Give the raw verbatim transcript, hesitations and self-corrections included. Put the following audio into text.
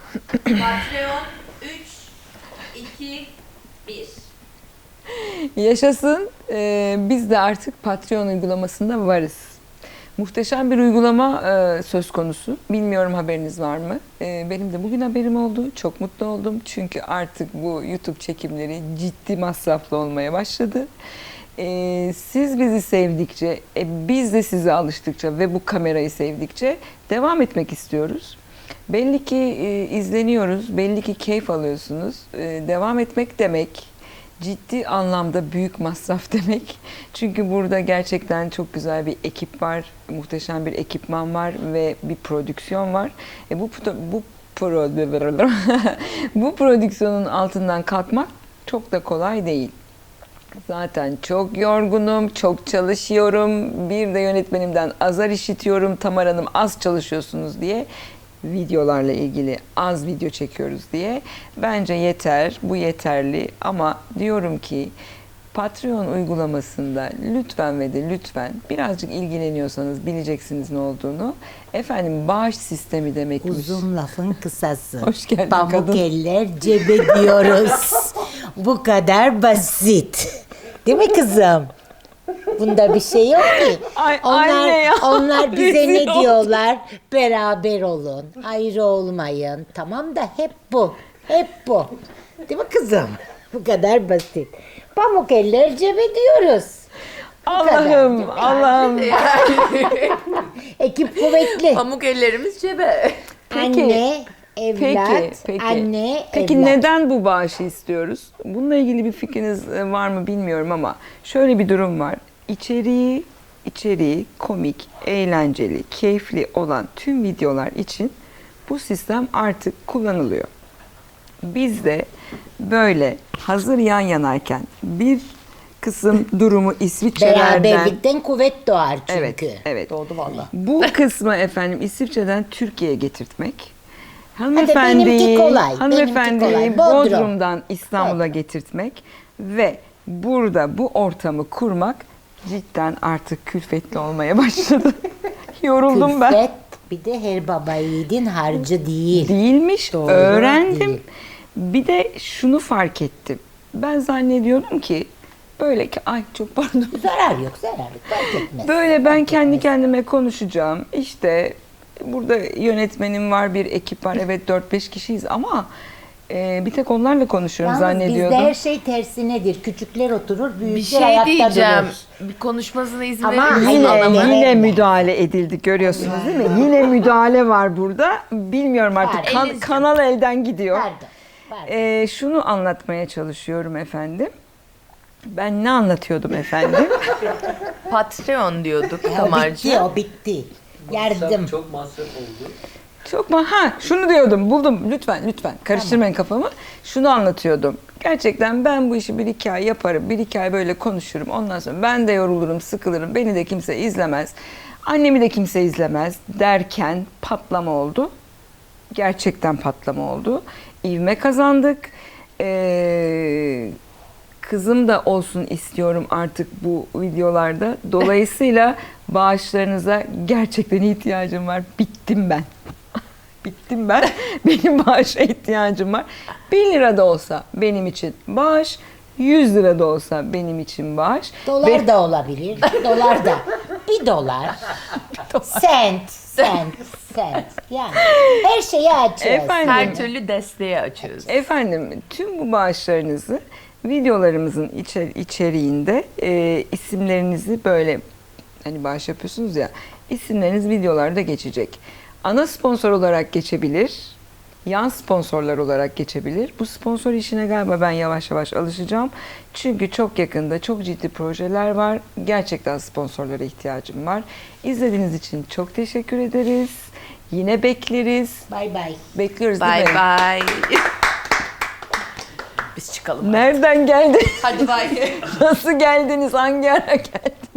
Patreon üç, iki, bir. Yaşasın. Ee, biz de artık Patreon uygulamasında varız. Muhteşem bir uygulama e, söz konusu. Bilmiyorum haberiniz var mı? E, benim de bugün haberim oldu. Çok mutlu oldum. Çünkü artık bu YouTube çekimleri ciddi masraflı olmaya başladı. E, siz bizi sevdikçe, e, biz de size alıştıkça ve bu kamerayı sevdikçe devam etmek istiyoruz. Belli ki e, izleniyoruz, belli ki keyif alıyorsunuz. E, devam etmek demek ciddi anlamda büyük masraf demek. Çünkü burada gerçekten çok güzel bir ekip var, muhteşem bir ekipman var ve bir prodüksiyon var. E bu bu pro, bu prodüksiyonun altından kalkmak çok da kolay değil. Zaten çok yorgunum, çok çalışıyorum. Bir de yönetmenimden azar işitiyorum. Tamar Hanım az çalışıyorsunuz diye. Videolarla ilgili az video çekiyoruz diye. Bence yeter, bu yeterli ama diyorum ki Patreon uygulamasında lütfen ve de lütfen birazcık ilgileniyorsanız bileceksiniz ne olduğunu. Efendim bağış sistemi demekmiş. Uzun lafın kısası. Hoş geldin Pamuk kadın. eller cebe diyoruz. Bu kadar basit. Değil mi kızım? Bunda bir şey yok ki. Ay, onlar, anne ya. onlar bize Rezil ne oldum. diyorlar? Beraber olun, ayrı olmayın. Tamam da hep bu, hep bu. Değil mi kızım? Bu kadar basit. Pamuk eller cebe diyoruz. Bu kadar, değil Allah'ım, mi? Allah'ım. Ekip kuvvetli. Pamuk ellerimiz cebe. Peki. Anne, evlat, Peki, peki. anne, Peki evlat. neden bu bağışı istiyoruz? Bununla ilgili bir fikriniz e, var mı bilmiyorum ama şöyle bir durum var. İçeriği, içeriği komik, eğlenceli, keyifli olan tüm videolar için bu sistem artık kullanılıyor. Biz de böyle hazır yan yanayken bir kısım durumu İsviçre'lerden... Beraberlikten kuvvet doğar çünkü. Evet, evet. Doğdu valla. Bu kısmı efendim İsviçre'den Türkiye'ye getirtmek. benimki Hanımefendiyi, kolay, hanımefendiyi benimki kolay. Bodrum. Bodrum'dan İstanbul'a getirtmek ve burada bu ortamı kurmak cidden artık külfetli olmaya başladı. Yoruldum ben. Külfet bir de her baba yiğidin harcı değil. Değilmiş, Doğru, öğrendim. değil. Bir de şunu fark ettim. Ben zannediyordum ki böyle ki ay çok pardon. Zarar yok, zarar yok. Fark etmez. Böyle ben kendi kendime konuşacağım. İşte burada yönetmenim var, bir ekip var. Evet dört beş kişiyiz ama e, bir tek onlarla konuşuyorum Yalnız zannediyordum. bizde her şey tersinedir. Küçükler oturur, büyükler Bir şey ayakta diyeceğim. durur. Bir konuşmasına izin Ama verir misin Yine, adamın? Aynen. yine müdahale edildi görüyorsunuz değil mi? Yine müdahale var burada. Bilmiyorum artık Pardon. kan- Elinizce. kanal elden gidiyor. Pardon, pardon. E, şunu anlatmaya çalışıyorum efendim. Ben ne anlatıyordum efendim? Patreon diyorduk E, o bitti, Tamarcığım. o bitti. Yardım. Çok masraf oldu. Çok mu? Ha, şunu diyordum. Buldum. Lütfen, lütfen. Karıştırmayın kafamı. Şunu anlatıyordum. Gerçekten ben bu işi bir iki ay yaparım. Bir iki ay böyle konuşurum. Ondan sonra ben de yorulurum, sıkılırım. Beni de kimse izlemez. Annemi de kimse izlemez derken patlama oldu. Gerçekten patlama oldu. İvme kazandık. Ee, kızım da olsun istiyorum artık bu videolarda. Dolayısıyla bağışlarınıza gerçekten ihtiyacım var. Bittim ben. Bittim ben. Benim bağışa ihtiyacım var. bir lira da olsa benim için bağış, yüz lira da olsa benim için bağış. Dolar Ve- da olabilir. Dolar da. Bir dolar. Sent. Sent. Sent. Yani her şeyi açıyoruz. Efendim, Her türlü desteği açıyoruz. efendim tüm bu bağışlarınızı videolarımızın içer içeriğinde e, isimlerinizi böyle hani bağış yapıyorsunuz ya, isimleriniz videolarda geçecek. Ana sponsor olarak geçebilir, yan sponsorlar olarak geçebilir. Bu sponsor işine galiba ben yavaş yavaş alışacağım. Çünkü çok yakında çok ciddi projeler var. Gerçekten sponsorlara ihtiyacım var. İzlediğiniz için çok teşekkür ederiz. Yine bekleriz. Bay bay. Bekliyoruz değil Bye mi? bye. Biz çıkalım. Nereden geldiniz? Hadi bye. Nasıl geldiniz? Hangi ara geldiniz?